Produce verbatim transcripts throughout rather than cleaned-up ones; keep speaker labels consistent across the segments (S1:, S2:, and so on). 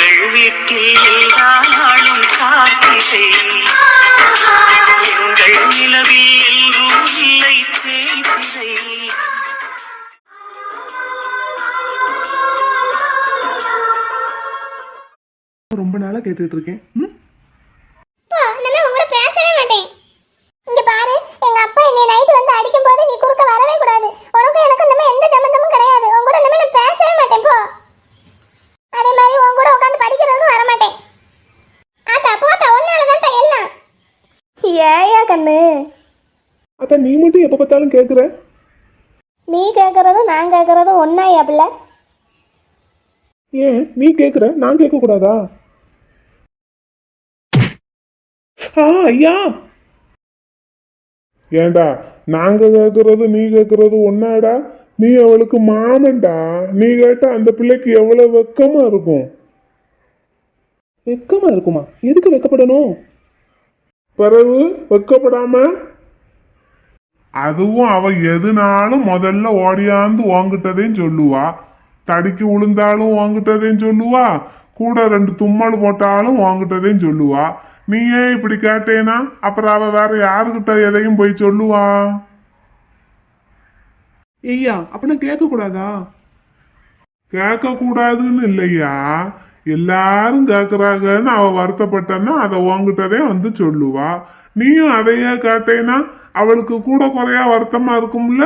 S1: எங்கள் வீட்டில் எல்லா நாளும் காத்திரை, எங்கள் நிலவில் எல்லோரும் இல்லை தேய்திரை.
S2: ரொம்ப நாளா கேட்டுட்டு இருக்கேன்.
S3: பேசவே மாட்டேன். இங்க பாரு, எங்க அப்பா என்னை நைட் வந்து அடிக்கும் போது நீ குறுக்க வரவே கூடாது. உனக்கும் எனக்கும் நம்ம எந்த சம்பந்தமும் கிடையாது. உன் கூட நம்ம நான் பேசவே மாட்டேன். போ. அதே மாதிரி உன் கூட உட்காந்து படிக்கிறதுக்கும் வர மாட்டேன். ஆத்தா போத்தா, ஒன்னால தான் எல்லாம். ஏயா கண்ணு,
S2: அதான் நீ மட்டும் எப்ப பார்த்தாலும் கேக்குற.
S3: நீ கேக்குறதும் நான் கேக்குறதும் ஒன்னாயா பிள்ளை?
S2: ஏன் நீ கேக்குற, நான் கேட்க கூடாதா? ஐயா, ஏண்டா நாங்க கேக்குறது நீ கேக்குறது ஒன்னாடா? நீ அவளுக்கு மாமன்டா. நீ கேட்டா அந்த பிள்ளைக்கு எவ்வளவு வெக்கமா இருக்கும். வெக்கமா இருக்குமா? எதுக்கு வெக்கப்படணும்? பிறகு வெக்கப்படாம அதுவும் அவ எதுனாலும் முதல்ல ஓடியாந்து வாங்கிட்டதையும் சொல்லுவா. தடிக்கு உளுந்தாலும் வாங்கிட்டதையும் சொல்லுவா. கூட ரெண்டு தும்மல் போட்டாலும் வாங்கிட்டதையும் சொல்லுவா. நீ ஏன் இப்படி கேட்டேனா அப்புறம் அவ வேற யாருக்கிட்ட எதையும் போய் சொல்லுவா? ஐயா அப்படின்னா கேட்க கூடாதா? கேட்க கூடாதுன்னு இல்லையா, எல்லாரும் கேக்குறாங்கன்னு அவ வருத்தப்பட்டன்னா அதை உங்ககிட்டதே வந்து சொல்லுவா. நீயும் அதையே கேட்டேனா அவளுக்கு கூட குறையா வருத்தமா இருக்கும்ல.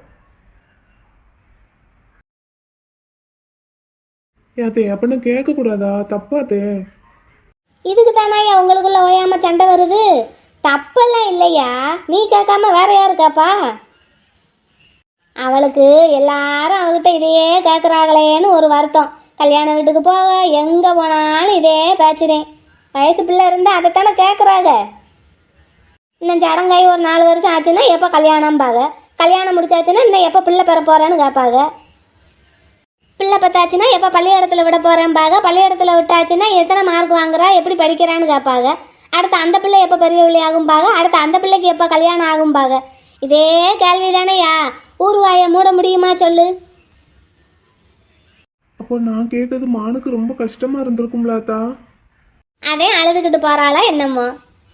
S2: ஏத்தே அப்படின்னா கேட்க கூடாதா? தப்பாத்தே.
S3: இதுக்கு தானாயா உங்களுக்குள்ள ஓயாம சண்டை வருது. தப்பெல்லாம் இல்லையா, நீ கேட்காம வேற யாரு கேப்பா? அவளுக்கு எல்லாரும் அவகிட்ட இதையே கேட்குறாங்களேன்னு ஒரு வருத்தம். கல்யாண வீட்டுக்கு போக எங்கே போனாலும் இதே பேச்சுறேன். வயசு பிள்ளை இருந்தால் அதைத்தானே கேட்குறாங்க. இன்னும் சடங்காய் ஒரு நாலு வருஷம் ஆச்சுன்னா எப்போ கல்யாணம்பாங்க. கல்யாணம் முடிச்சாச்சுன்னா இன்னும் எப்போ பிள்ளை பெற போகிறேன்னு கேட்பாங்க. பிள்ளை பத்தாச்சுன்னா எப்போ பள்ளிக்கூடத்தில் விட போகிறேன்பாங்க. பள்ளிக்கூடத்தில் விட்டாச்சுன்னா எத்தனை மார்க் வாங்குறா, எப்படி படிக்கிறான்னு கேட்பாங்க. அடுத்து அந்த பிள்ளை எப்போ பெரிய பிள்ளை ஆகும்பாங்க. அடுத்து அந்த பிள்ளைக்கு எப்போ கல்யாணம் ஆகும்பாங்க. இதே கேள்வி தானேயா. ஊர்வாயை மூட முடியுமா சொல்லு?
S2: அப்போ நான் கேட்டது மானுக்கு ரொம்ப கஷ்டமா இருந்திருக்கும்லாத்தா.
S3: அதே அழுதுகிட்டு போறாளா என்னமோ.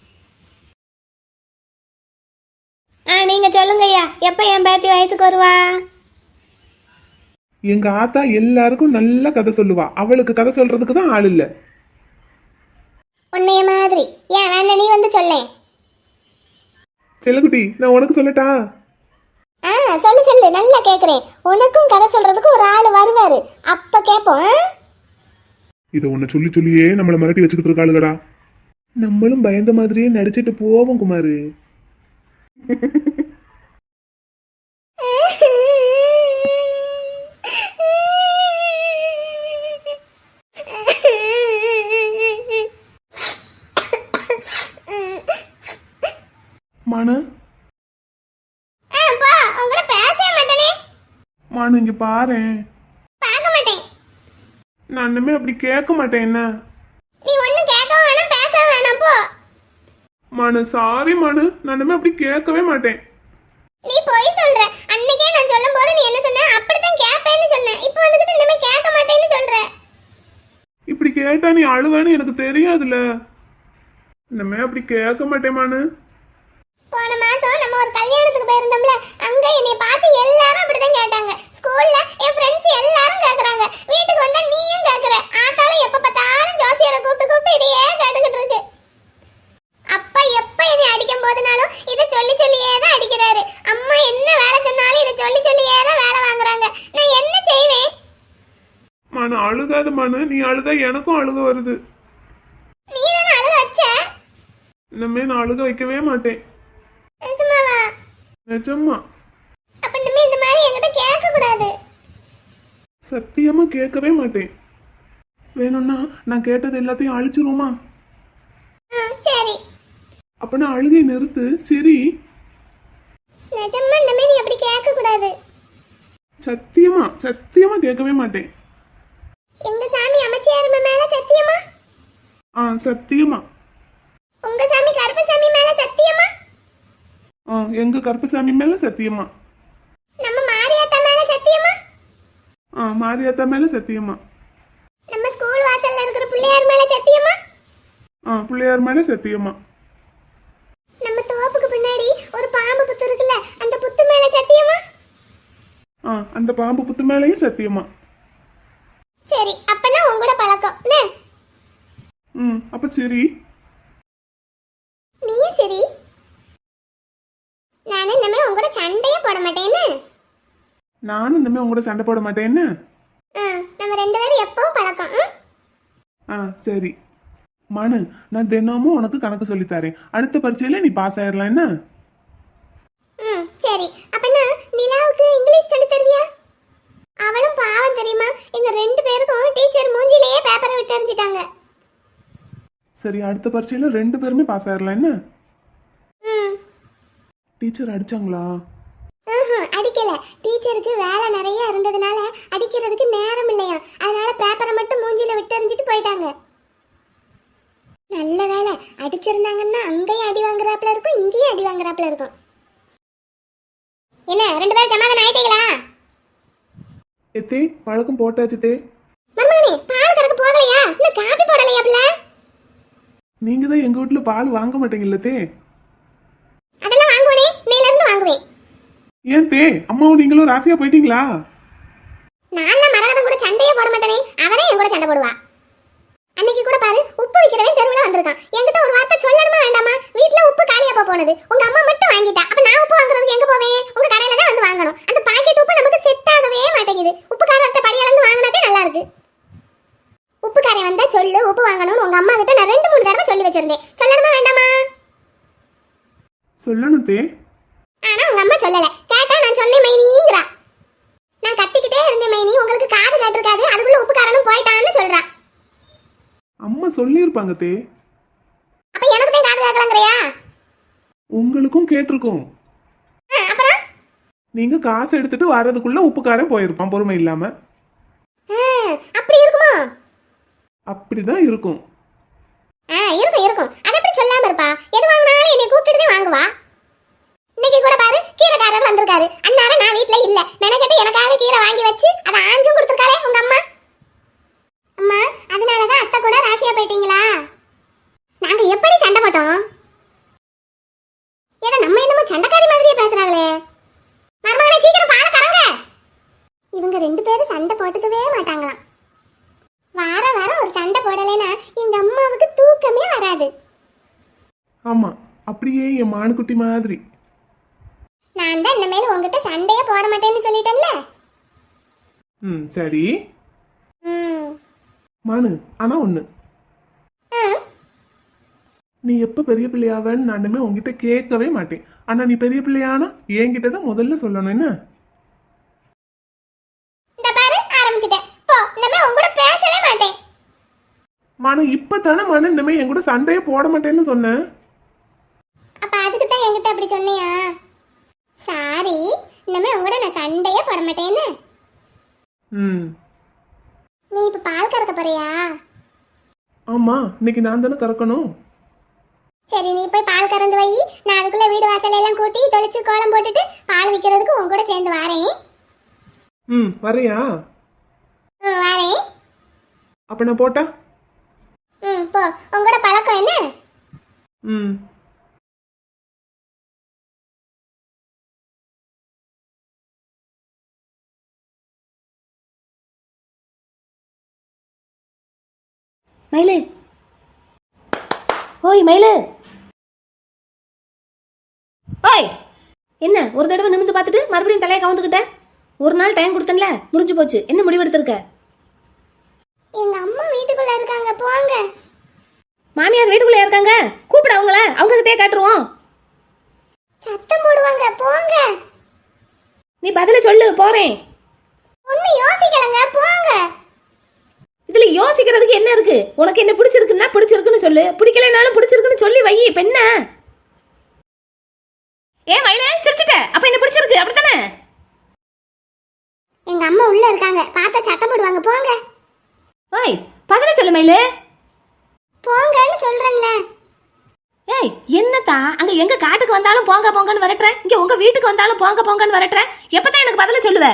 S3: ஆ நீங்க சொல்லுங்கய்யா, எப்போ என் பேத்தி வயசுக்கு வருவா?
S2: எங்க ஆத்தா எல்லாருக்கும் நல்ல கதை சொல்லுவா. அவளுக்கு கதை சொல்றதுக்கு தான் ஆள் இல்ல.
S3: உன்னைய மாதிரி ஏன் வேணா நீ வந்து சொல்லேன்.
S2: செல்லகுட்டி, நான் உனக்கு சொல்லட்டா?
S3: ஆ சொல்லு சொல்லு, நல்லா கேக்குறேன். உனக்கும் கதை சொல்றதுக்கு ஒரு ஆள் வருவாரு, அப்ப கேப்போம்.
S2: இத உன்னை சொல்லி சொல்லியே நம்மள மிரட்டி வச்சுக்கிட்டு இருக்காளுகடா. நம்மளும் பயந்த மாதிரியே நடிச்சிட்டு போவோம் குமாரு. மானு, மானு இங்க பாரு. நான் இனிமே அப்படி கேட்க மாட்டேன். என்ன
S3: நீ ஒண்ணு கேட்க வேணாம், பேச வேணாம், போ.
S2: மானு சாரி மானு, நான் இனிமே அப்படி கேட்கவே மாட்டேன்.
S3: நீ போய் சொல்ற. அன்னைக்கே நான் சொல்லும்போது நீ என்ன சொன்ன? அப்படிதான் கேட்பேன்னு சொன்ன. இப்போ வந்துட்டு இனிமே கேட்க மாட்டேன்னு சொல்ற.
S2: இப்படி கேட்டா நீ அழுவேன்னு எனக்கு தெரியாதுல. இனிமே அப்படி கேட்க மாட்டேன் மானு.
S3: போன மாசம் நம்ம ஒரு கல்யாணத்துக்கு போயிருந்தோம்ல, அங்க என்னை பார்த்து எல்லாரும் அப்படிதான் கேட்டாங்க. ஸ்கூல்ல என் ஃப்ரெண்ட்ஸ் எல்லாரும் கேக்குறாங்க. வீட்டுக்கு வந்தா நீயும் கேக்குற. ஆத்தாலும் எப்ப பார்த்தாலும் ஜோசியரை கூப்பிட்டு கூப்பிட்டு இதையே கேட்டுக்கிட்டு இருக்கு. அப்பா எப்ப என்னை அடிக்கும் போதுனாலும் இதை சொல்லி சொல்லியே தான் அடிக்கிறாரு. அம்மா என்ன வேலை சொன்னாலும் இதை சொல்லி சொல்லியே தான் வேலை வாங்குறாங்க. நான் என்ன செய்வேன்?
S2: மனு அழுகாது மனு, நீ அழுதா எனக்கும் அழுக வருது.
S3: நீ தானே அழுக வச்ச.
S2: இனிமே நான் அழுக வைக்கவே மாட்டேன்.
S3: நிஜமாவா?
S2: நிஜமா.
S3: அப்ப இனிமே இந்த மாதிரி என்கிட்ட கேட்க கூடாது.
S2: சத்தியமா கேட்கவே மாட்டேன். வேணும்னா நான் கேட்டது எல்லாத்தையும் அழிச்சிருவோமா?
S3: சரி.
S2: அப்ப நான் அழுகை நிறுத்து. சரி.
S3: நிஜமா இனிமே நீ அப்படி கேட்க கூடாது.
S2: சத்தியமா சத்தியமா கேட்கவே மாட்டேன்.
S3: எங்க சாமி அமைச்சியார் மேல சத்தியமா?
S2: ஆ சத்தியமா.
S3: உங்க சாமி கருப்பசாமி மேல சத்தியமா?
S2: ஆ எங்க கருப்பசாமி மேல சத்தியமா.
S3: நம்ம மாரியாத்தா மேல சத்தியமா?
S2: ஆ மாரியாத்தா மேல சத்தியமா.
S3: நம்ம ஸ்கூல் வாசல்ல இருக்கிற புள்ளை சத்தியமா?
S2: ஆ பிள்ளையார் மேல சத்தியமா.
S3: நம்ம தோப்புக்கு பின்னாடி ஒரு பாம்பு புத்து இருக்குல்ல, அந்த புத்து மேல சத்தியமா?
S2: ஆ அந்த பாம்பு புத்து மேலேயும் சத்தியமா.
S3: சரி, அப்பனா உங்களோட பழக்கம் என்ன?
S2: ம் அப்ப சரி.
S3: நீயும் சரி. நான் இனிமே உங்களோட சண்டையே போட மாட்டேன்னு.
S2: நானும் இனிமே உங்களோட சண்டை போட மாட்டேன்னு.
S3: ஆ, நம்ம ரெண்டு பேரும் எப்பவும் பழக்கம். ம்?
S2: ஆ சரி. மனு, நான் தினமும் உனக்கு கணக்கு சொல்லித் தரேன். அடுத்த பரீட்சையில நீ பாஸ் ஆயிடலாம் என்ன?
S3: ம் சரி. அப்பனா நிலாவுக்கு இங்கிலீஷ் சொல்லி தருவியா? அவளும் பாவம் தெரியுமா, எங்க ரெண்டு பேருக்கும் டீச்சர் மூஞ்சிலேயே பேப்பரை விட்டு எறிஞ்சிட்டாங்க.
S2: சரி, அடுத்த பரீட்சையில ரெண்டு பேருமே பாஸ் ஆயிடலாம் என்ன?
S3: ம்.
S2: டீச்சர் அடிச்சாங்களா?
S3: ஆஹா, அடிக்கல. டீச்சருக்கு வேலை நிறைய இருந்ததுனால அடிக்கிறதுக்கு நேரம் இல்லையா, அதனால பேப்பரை மட்டும் மூஞ்சில விட்டு எறிஞ்சிட்டு போயிட்டாங்க. நல்ல வேலை, அடிச்சிருந்தாங்கன்னா அங்கேயும் அடி வாங்குறாப்புல இருக்கும், இங்கேயும் அடி வாங்குறாப்புல இருக்கும். என்ன ரெண்டு பேரும் சமாதானம் ஆயிட்டீங்களா?
S2: எத்தே பழக்கம் போட்டாச்சு தே.
S3: மருமகனே, பால் கறக்க போகலையா? இன்னும் காபி போடலையா பிள்ளை?
S2: நீங்க தான் எங்க வீட்டுல பால் வாங்க மாட்டீங்கல்ல தே.
S3: அதெல்லாம் வாங்குவேனே, இன்னையில இருந்து வாங்குவேன்.
S2: ஏன் தே, அம்மாவும் நீங்களும் ராசியா போயிட்டீங்களா?
S3: நான்லாம் மரகதம் கூட சண்டையே போட மாட்டேனே, அவனே என் கூட சண்டை போடுவா. அன்னைக்கு கூட பாரு, உப்பு விக்கிறவன் தெருவுல வந்திருக்கான். என்கிட்ட ஒரு வார்த்தை சொல்லணுமா வேண்டாமா? வீட்ல உப்பு காலியா போ போனது, உங்க அம்மா மட்டும் வாங்கிட்டா. அப்ப நான் உப்பு வாங்குறதுக்கு எங்க போவேன்? உங்க கடையில தான் வந்து வாங்கணும். அந்த பாக்கெட் உப்பு நமக்கு செட் ஆகவே மாட்டேங்குது. உப்புக்காரர்கிட்ட படியளந்து வாங்கினாதே நல்லா இருக்கு. உப்புக்காரன் வந்தா சொல்லு, உப்பு வாங்கணும்னு உங்க அம்மா கிட்ட நான் ரெண்டு மூணு தடவை சொல்லி வச்சிருந்தேன். சொல்லணுமா வேண்டாமா?
S2: சொல்லணும் தே.
S3: ஆனா உங்க அம்மா சொல்லல. கேட்டா நான் சொன்னேன் மைனிங்கிறா. நான் கத்திக்கிட்டே இருந்தேன் மைனி, உங்களுக்கு காது கேட்டிருக்காது, அதுக்குள்ள உப்புக்காரனும் போயிட்டான்னு சொல்றா.
S2: அம்மா சொல்லியிருப்பாங்க தே.
S3: அப்ப எனக்கு தான் காது கேட்கலங்கறியா?
S2: உங்களுக்கும் கேட்டிருக்கோம்.
S3: அப்புறம்
S2: நீங்க காசு எடுத்துட்டு வர்றதுக்குள்ள உப்புக்காரன் போயிருப்பான் பொறுமை இல்லாம.
S3: அப்படி இருக்குமோ?
S2: அப்படிதான் இருக்கும்.
S3: ஆ இருக்கும் இருக்கும். அத எப்படி சொல்லாம இருப்பா? எது வாங்கினாலும் என்னை கூப்பிட்டுட்டு தான் வாங்குவா. இன்னைக்கு கூட பாரு, கீரைக்காரர் வந்திருக்காரு. அன்னார நான் வீட்ல இல்ல, மெனக்கெட்டு எனக்காக கீரை வாங்கி வச்சு அதை ஆஞ்சும் கொடுத்துருக்காளே உங்க அம்மா. அம்மா, அதனாலதான் அத்தை கூட ராசியா போயிட்டீங்களா? நாங்க எப்படி சண்டை போட்டோம்? ஏதோ நம்ம என்னமோ சண்டைக்காரி மாதிரியே பேசுறாங்களே. மருமகனே, சீக்கிரம் பால் கறங்க. இவங்க ரெண்டு பேரும் சண்டை போட்டுக்கவே மாட்டாங்களாம். வார வாரம் ஒரு சண்டை போடலைன்னா எங்க அம்மாவுக்கு தூக்கமே வராது.
S2: ஆமா, அப்படியே என் மானுக்குட்டி மாதிரி.
S3: நான் தான் இனிமேல் உங்ககிட்ட சண்டையே போட மாட்டேன்னு சொல்லிட்டேன்ல.
S2: ம் சரி.
S3: ம்.
S2: மானு, ஆனா ஒண்ணு,
S3: ஆ,
S2: நீ எப்ப பெரிய பிள்ளையாவன்னு நான் இனிமே உங்ககிட்ட கேட்கவே மாட்டேன். ஆனா நீ பெரிய பிள்ளையானா என்கிட்ட தான் முதல்ல சொல்லணும் என்ன?
S3: இந்த பாரு ஆரம்பிச்சிட்டேன். போ, இனிமே உங்க கூட பேசவே மாட்டேன்.
S2: மனு, இப்பதானே மனு இனிமே என் கூட சண்டையே போட மாட்டேன்னு சொன்னேன்.
S3: அப்ப அதுக்கு தான் என்கிட்ட அப்படி சொன்னியா? சாரி, இனிமே உங்க கூட நான் சண்டையே போட மாட்டேன்னு.
S2: ம்
S3: நீ இப்ப பால் கறக்க போறியா?
S2: ஆமா, இன்னைக்கு நான் தானே கறக்கணும்.
S3: சரி, நீ போய் பால் கறந்து வை. நான் அதுக்குள்ள வீடு வாசல் எல்லாம் கூட்டி தொளிச்சு கோலம் போட்டுட்டு பால் விற்கிறதுக்கு உன் கூட சேர்ந்து வாரேன்.
S2: ம் வரையா?
S3: ம் வாரேன்.
S2: அப்ப நான் போட்டா?
S3: ம் போ, உங்களோட பழக்கம் என்ன?
S2: ம்
S4: மயிலு, ஓய் மயிலு, ஓய் என்ன ஒரு தடவை நிமிந்து பார்த்துட்டு மறுபடியும் தலையை கவுந்துக்கிட்ட? ஒரு நாள் டைம் கொடுத்தேன்ல, முடிஞ்சு போச்சு. என்ன முடிவெடுத்திருக்க?
S3: எங்க அம்மா வீட்டுக்குள்ள இருக்காங்க, போங்க.
S4: மாமியார் வீட்டுக்குள்ளே இருக்காங்க, கூப்பிட அவங்கள, அவங்க கிட்டே காட்டுருவோம்.
S3: சத்தம் போடுவாங்க, போங்க.
S4: நீ பதில சொல்லு, போறேன்.
S3: ஒன்னும் யோசிக்கலங்க, போங்க.
S4: இதுல யோசிக்கிறதுக்கு என்ன இருக்கு? உனக்கு என்ன பிடிச்சிருக்குன்னா பிடிச்சிருக்குன்னு சொல்லு, பிடிக்கலைனாலும் பிடிச்சிருக்குன்னு சொல்லி வை. இப்ப என்ன? ஏன் மயில சிரிச்சிட்ட? அப்ப என்ன பிடிச்சிருக்கு அப்படித்தானே?
S3: எங்க அம்மா உள்ள இருக்காங்க, பார்த்தா சத்தம் போடுவாங்க, போங்க.
S4: ஓய் பதில சொல்லு மயிலு.
S3: போங்கன்னு சொல்றேன்ல.
S4: ஏய் என்னத்தா, அங்க எங்க காட்டுக்கு வந்தாலும் போங்க போங்கன்னு வரட்டுற, இங்க உங்க வீட்டுக்கு வந்தாலும் போங்க போங்கன்னு வரட்டுற. எப்பதான் எனக்கு பதில சொல்லுவ?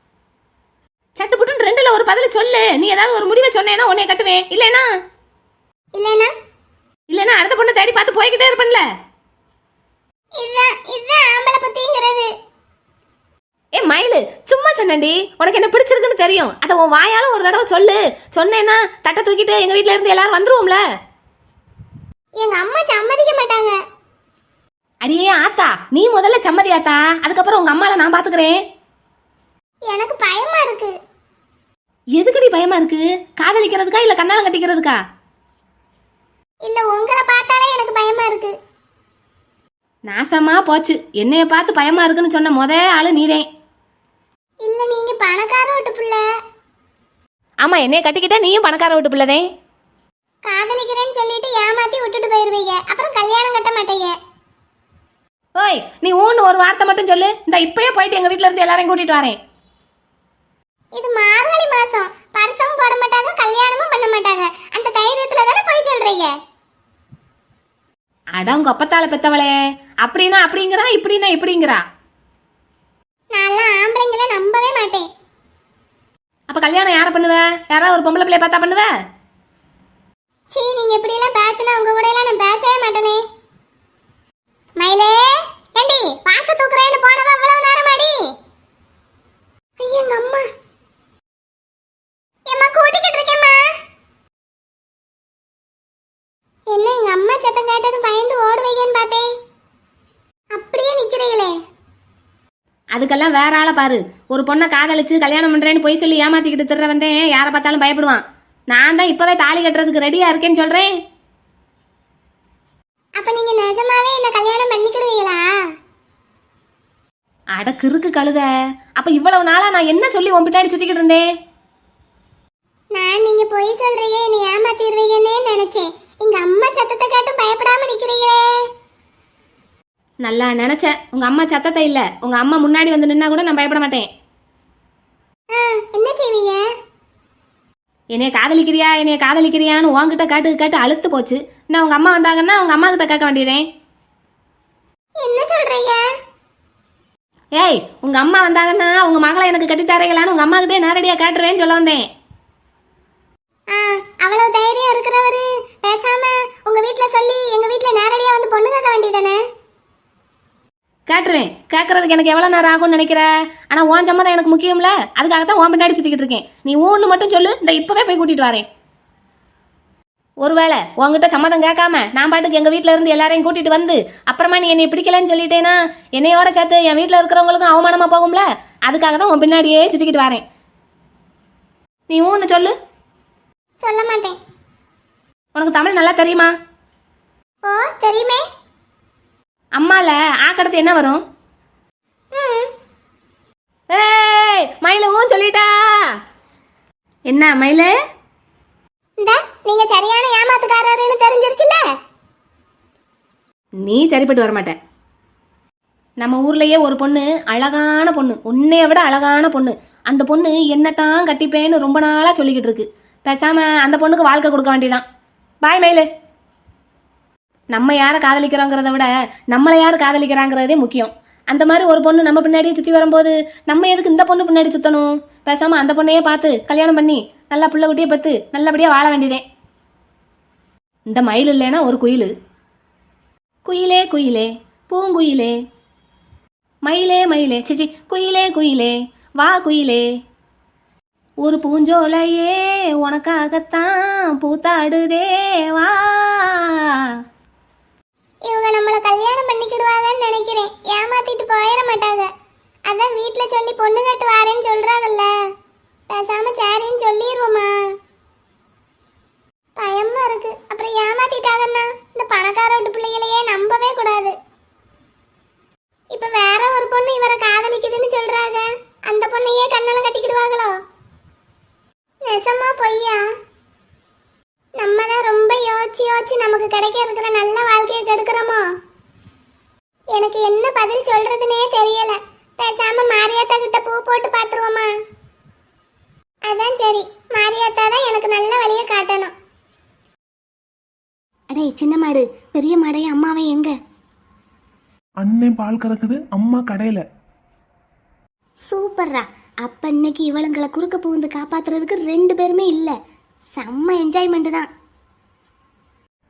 S4: சட்டு புட்டுன்னு ரெண்டுல ஒரு பதில சொல்லு. நீ ஏதாவது ஒரு முடிவை சொன்னேன்னா உன்னைய கட்டுவேன், இல்லைன்னா
S3: இல்லைன்னா
S4: இல்லைன்னா அடுத்த பொண்ணை தேடி பார்த்து போய்கிட்டே இருப்பேன்ல.
S3: இதுதான் இதுதான் ஆம்பளை புத்திங்கிறது.
S4: ஏ மயிலு, சும்மா சொன்னேன்டி. உனக்கு என்ன பிடிச்சிருக்குன்னு தெரியும். அதை உன் வாயால ஒரு தடவை சொல்லு. சொன்னேன்னா தட்டை தூக்கிட்டு எங்க வீட்ல இருந்து எல்லாரும் வந்துருவோம்ல.
S3: எங்க அம்மா சம்மதிக்க மாட்டாங்க.
S4: அடியே ஆத்தா, நீ முதல்ல சம்மதி ஆத்தா, அதுக்கப்புறம் உங்க அம்மால நான் பாத்துக்கிறேன்.
S3: எனக்கு பயமா இருக்கு.
S4: எதுக்குடி பயமா இருக்கு? காதலிக்கிறதுக்கா இல்ல கண்ணாலம் கட்டிக்கிறதுக்கா?
S3: இல்ல உங்களை பார்த்தாலே எனக்கு பயமா இருக்கு.
S4: நாசமா போச்சு. என்னைய பார்த்து பயமா இருக்குன்னு சொன்ன முத ஆளு நீதேன்.
S3: இல்ல நீங்க பணக்கார வீட்டு பிள்ளை.
S4: ஆமா, என்னைய கட்டிக்கிட்டா நீயும் பணக்கார வீட்டு பிள்ளைதேன்.
S3: காதலிக்கிறேன்னு சொல்லிட்டு ஏமாத்தி விட்டுட்டு போயிருவீங்க, அப்புறம் கல்யாணம் கட்ட மாட்டீங்க.
S4: ஓய், நீ ஊன்னு ஒரு வார்த்தை மட்டும் சொல்லு. இந்த இப்பயே போயிட்டு எங்க வீட்ல இருந்து எல்லாரையும் கூட்டிட்டு வரேன்.
S3: இது மார்கழி மாசம், பரிசமும் போட மாட்டாங்க, கல்யாணமும் பண்ண மாட்டாங்க. அந்த தைரியத்துல தானே போய் சொல்றீங்க.
S4: அடங்க ஒப்பத்தால பெத்தவளே, அப்படின்னா அப்படிங்கிறா, இப்படின்னா இப்படிங்கிறா.
S3: நான்லாம் ஆம்பளைங்களை நம்பவே மாட்டேன்.
S4: அப்ப கல்யாணம் யாரை பண்ணுவ? யாராவது ஒரு பொம்பளை பிள்ளைய பார்த்தா பண்ணுவ?
S3: சீ, நீங்க இப்படி எல்லாம் பேசினா உங்க கூட எல்லாம் நான் பேசவே மாட்டேனே. மயிலே, ஏண்டி பாக்க தூக்குறேன்னு போனவ அவ்வளவு நேரமாடி? ஐயோ எங்க அம்மா. ஏம்மா கூட்டிக்கிட்டு இருக்கேம்மா. என்ன எங்க அம்மா சத்தம் கேட்டது பயந்து ஓடுவீங்கன்னு பார்த்தேன். அப்படியே நிக்கிறீங்களே.
S4: அதுக்கெல்லாம் வேற ஆளை பாரு. ஒரு பொண்ணை காதலிச்சு கல்யாணம் பண்றேன்னு போய் சொல்லி ஏமாத்திக்கிட்டு திர்ற வந்தேன். யாரை பார்த்தாலும் பயப்படுவான். நான் தான் இப்பவே தாலி கட்டுறதுக்கு ரெடியா இருக்கேன்னு சொல்றேன்.
S3: அப்ப நீங்க நிஜமாவே என்ன கல்யாணம் பண்ணிக்கிடுவீங்களா?
S4: அட கிறுக்கு கழுத. அப்ப இவ்வளவு நாளா நான் என்ன சொல்லி உன் பின்னாடி சுத்திக்கிட்டு இருந்தேன்?
S3: நான் நீங்க போய் சொல்றீங்க என்ன ஏமாத்திடுவீங்கன்னே நினைச்சேன். எங்க அம்மா சத்தத்தை கேட்டும் பயப்படாம நிக்கிறீங்களே.
S4: நல்லா நினைச்சேன். உங்க அம்மா சத்தத்தை இல்ல, உங்க அம்மா முன்னாடி வந்து நின்னா கூட நான் பயப்பட மாட்டேன்.
S3: என்ன செய்வீங்க?
S4: என்னைய காதலிக்கிறியா என்னைய காதலிக்கிறியான்னு உன்கிட்ட காட்டு காட்டு அழுத்து போச்சு. நான் உங்க அம்மா வந்தாங்கன்னா உங்க அம்மா கிட்ட கேட்க வேண்டியதேன்.
S3: என்ன சொல்றீங்க?
S4: ஏய், உங்க அம்மா வந்தாங்கன்னா உங்க மகளை எனக்கு கட்டித்தரீங்களான்னு உங்க அம்மா கிட்டே நேரடியா காட்டுறேன்னு சொல்ல வந்தேன்.
S3: அவ்வளவு தைரியம் இருக்கிறவரு பேசாம உங்க வீட்ல சொல்லி எங்க வீட்ல நேரடியா வந்து பொண்ணு கேட்க வேண்டியதானே?
S4: கேட்டுருவேன். கேட்கறதுக்கு எனக்கு எவ்வளோ நேரம் ஆகும்னு நினைக்கிற? ஆனால் உன் சம்மதம் எனக்கு முக்கியம்ல. அதுக்காகத்தான் உன் பின்னாடி சுற்றிக்கிட்டு இருக்கேன். நீ ஊன்னு மட்டும் சொல்லு, இந்த இப்போவே போய் கூட்டிகிட்டு வரேன். ஒருவேளை உங்ககிட்ட சம்மதம் கேட்காம நான் பாட்டுக்கு எங்கள் வீட்டில் இருந்து எல்லாரையும் கூட்டிகிட்டு வந்து அப்புறமா நீ என்னை பிடிக்கலன்னு சொல்லிட்டேன்னா என்னையோட சேர்த்து என் வீட்டில் இருக்கிறவங்களுக்கும் அவமானமாக போகும்ல. அதுக்காக தான் உன் பின்னாடியே சுற்றிக்கிட்டு வரேன். நீ ஊன்னு சொல்லு.
S3: சொல்ல மாட்டேன்.
S4: உனக்கு தமிழ் நல்லா தெரியுமா?
S3: ஓ தெரியுமே.
S4: அம்மால ஆக்கடுத்து என்ன வரும்? ஏய் மயிலும் சொல்லிட்டா. என்ன மயிலே?
S3: இந்த நீங்க சரியான ஏமாத்துக்காரர்னு தெரிஞ்சிருச்சுல.
S4: நீ சரிப்பட்டு வர மாட்ட. நம்ம ஊர்லயே ஒரு பொண்ணு, அழகான பொண்ணு, உன்னைய விட அழகான பொண்ணு. அந்த பொண்ணு என்னத்தான் கட்டிப்பேன்னு ரொம்ப நாளா சொல்லிக்கிட்டு இருக்கு. பேசாம அந்த பொண்ணுக்கு வாழ்க்கை கொடுக்க வேண்டியதான். பாய் மயிலு. நம்ம யாரை காதலிக்கிறோங்கிறத விட நம்மளை யார் காதலிக்கிறாங்கிறதே முக்கியம். அந்த மாதிரி ஒரு பொண்ணு நம்ம பின்னாடியே சுற்றி வரும்போது நம்ம எதுக்கு இந்த பொண்ணு பின்னாடி சுற்றணும்? பேசாமல் அந்த பொண்ணையே பார்த்து கல்யாணம் பண்ணி நல்லா புள்ள குட்டியை பத்து நல்லபடியாக வாழ வேண்டியதே. இந்த மயில் இல்லைன்னா ஒரு குயில். குயிலே குயிலே பூங்குயிலே மயிலே மயிலே சிச்சி குயிலே குயிலே வா குயிலே ஒரு பூஞ்சோலையே உனக்காகத்தான் பூத்தாடுதே வா.
S3: இவங்க நம்மள கல்யாணம் பண்ணிக்கிடுவாங்கன்னு நினைக்கிறேன். ஏமாத்திட்டு போயிட மாட்டாங்க. அதான் வீட்ல சொல்லி பொண்ணு கட்டு வாரேன்னு சொல்றாங்கல்ல. பேசாம சரின்னு சொல்லிடுவோமா? பயமா இருக்கு. அப்புறம் ஏமாத்திட்டாங்கன்னா இந்த பணக்கார வீட்டு பிள்ளைகளையே நம்பவே கூடாது. இப்ப வேற ஒரு பொண்ணு இவரை காதலிக்குதுன்னு சொல்றாங்க. அந்த பொண்ணையே கண்ணால கட்டிக்கிடுவாங்களோ? நெசமா பொய்யா? நம்ம தான் ரொம்ப யோசிச்சு யோசிச்சு நமக்கு கிடைக்க இருக்கிற நல்ல வாழ்க்கையை கெடுக்கிறோமோ? எனக்கு என்ன பதில் சொல்றதுனே தெரியல. பேசாம மாரியாத்தா கிட்ட பூ போட்டு பாத்துருவோமா? அதான் சரி. மாரியாத்தா தான் எனக்கு நல்ல வழியை காட்டணும்.
S5: அடே சின்ன மாடு, பெரிய மாடையும் அம்மாவே எங்க?
S2: அண்ணன் பால் கறக்குது, அம்மா கடையில.
S5: சூப்பர்ரா. அப்ப இன்னைக்கு இவளுங்களை குறுக்க புகுந்து காப்பாத்துறதுக்கு ரெண்டு பேருமே இல்ல. செம்ம என்ஜாய்மெண்ட் தான்.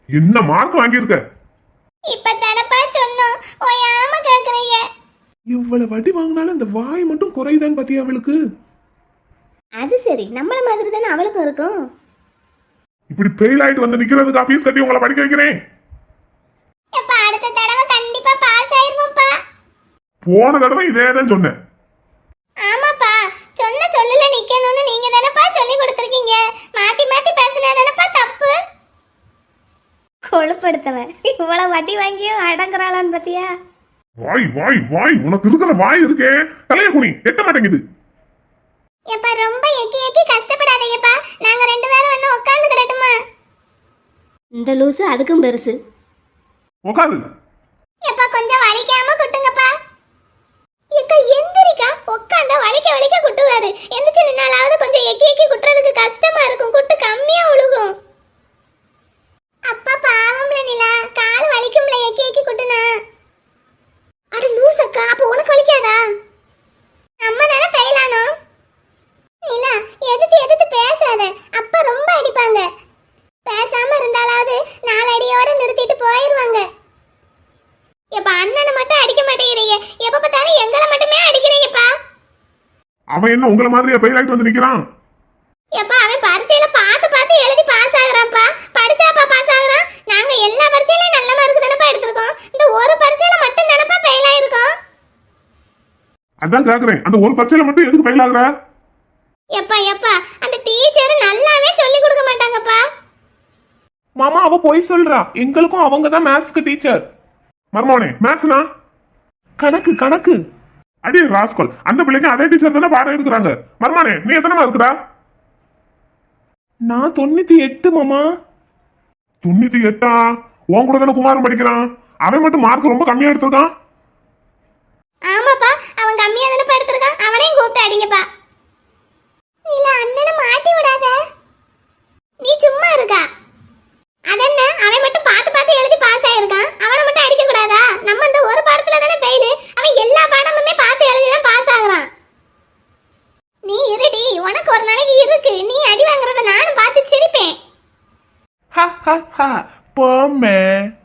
S2: என்ன மார்க் வாங்கியிருக்க?
S3: இப்ப தடப்பா சொன்னோம் ஓயாம கேக்குறீங்க.
S2: இவ்வளவு வட்டி வாங்கினாலும் இந்த வாய் மட்டும் குறையுதான்னு பாத்தியா அவளுக்கு?
S3: அது சரி, நம்மள மாதிரி தானே அவளுக்கும் இருக்கும்.
S2: இப்படி ஃபெயில் ஆயிட்டு வந்து நிக்கிறதுக்கு ஃபீஸ் கட்டி உங்களை படிக்க வைக்கிறேன்.
S3: எப்ப அடுத்த தடவை கண்டிப்பா பாஸ் ஆயிருவோம்ப்பா.
S2: போன தடவை இதே தான் சொன்னேன்.
S3: ஆமாப்பா, சொன்ன சொல்லல நிக்கணும்னு நீங்க தானப்பா சொல்லி கொடுத்துருக்கீங்க. மாத்தி மாத்தி பேசினா தானப்பா தப்பு. கொழுப்படுத்தவன் இவ்வளவு வட்டி வாங்கியும் அடங்குறாளான்னு பாத்தியா?
S2: வாய் வாய் வாய், உனக்கு இருக்கிற வாய் இருக்கே தலைய குனி எட்ட மாட்டேங்குது.
S3: எப்பா ரொம்ப எக்கி எக்கி கஷ்டப்படாதீங்கப்பா, நாங்க ரெண்டு பேரும் வந்து உட்கார்ந்து கிடட்டுமா?
S4: இந்த லூசு அதுக்கும் பெருசு.
S2: உட்காரு.
S3: எப்பா கொஞ்சம் வலிக்காம குட்டுங்கப்பா. ஏக்கா எந்திரிக்கா, உட்கார்ந்தா வலிக்க வலிக்க குட்டுவாரு. எந்திரிச்சு நின்னாலாவது கொஞ்சம் எக்கி எக்கி குட்டுறதுக்கு கஷ்டமா இருக்கும், குட்டு கம்மியா உழுகும். அப்பா பாவம்ல நிலா, கால் வலிக்கும்ல எக்கி எக்கி குட்டுனா. அட லூசக்கா, அப்ப உனக்கு வலிக்காதா? நம்ம தானே ஃபெயில் ஆனோம். நிலா எதிர்த்து எதிர்த்து பேசாத, அப்பா ரொம்ப அடிப்பாங்க. பேசாம இருந்தாலாவது நாலு அடியோட நிறுத்திட்டு போயிருவாங்க. எப்ப அண்ணனை மட்டும் அடிக்க மாட்டேங்கிறீங்க, எப்ப பார்த்தாலும் எங்களை மட்டுமே அடிக்கிறீங்கப்பா.
S2: அவன் என்ன உங்களை மாதிரியா ஃபெயில் ஆயிட்டு வந்து நிக்கிறான்?
S3: எப்பா அவன் பரீட்சையில பார்த்து பார்த்து எழுதி பாஸ் ஆகுறான்ப்பா. படிச்சாப்பா பாஸ் ஆகுறான். நாங்க எல்லா பரீட்சையிலும் நல்ல மார்க் தானப்பா எடுத்திருக்கோம், இந்த ஒரு பரீட்சையில மட்டும் தானப்பா ஃபெயில் ஆயிருக்கோம்.
S2: அதான் கேக்குறேன், அந்த ஒரு பரீட்சையில மட்டும் எதுக்கு ஃபெயில் ஆகுற?
S3: எப்பா எப்பா அந்த டீச்சர் நல்லாவே சொல்லி கொடுக்க மாட்டாங்கப்பா.
S6: மாமா அவ போய் சொல்றா, எங்களுக்கும் அவங்க தான் மேத்ஸ்க்கு டீச்சர்.
S2: மர்மோனே மேத்ஸ்னா
S6: கணக்கு கணக்கு.
S2: அடி ராஸ்கல், அந்த பிள்ளைக்கு அதே டீச்சர் தானே பாடம் எடுக்கிறாங்க. மர்மானே நீ எத்தனை இருக்குடா?
S6: நான் தொண்ணூத்தி எட்டு மாமா.
S2: தொண்ணூத்தி எட்டா? உன் கூட தானே குமாரன் படிக்கிறான், அவன் மட்டும் மார்க் ரொம்ப கம்மியா எடுத்திருக்கான்.
S3: ஆமாப்பா அவன் கம்மியா தானே எடுத்திருக்கான், அவனையும் கூப்பிட்டு அடிங்கப்பா. இல்ல அண்ணனை மாட்டி விடாத, நீ சும்மா இருக்கா. அதென்ன அவன் மட்டும் பார்த்து பார்த்து எழுதி பாஸ் ஆயிருக்கான், அவனை மட்டும் அடிக்க கூடாதா? நம்ம இந்த ஒரு பாடத்துல தானே ஃபெயில், அவன் எல்லா பாடமுமே பார்த்து எழுதி தான் பாஸ் ஆகுறான். நீ இருடி, உனக்கு ஒரு நாளைக்கு இருக்கு, நீ அடி வாங்குறத நானும் பார்த்து சிரிப்பேன்.
S6: ஹ ஹ ஹ போமே.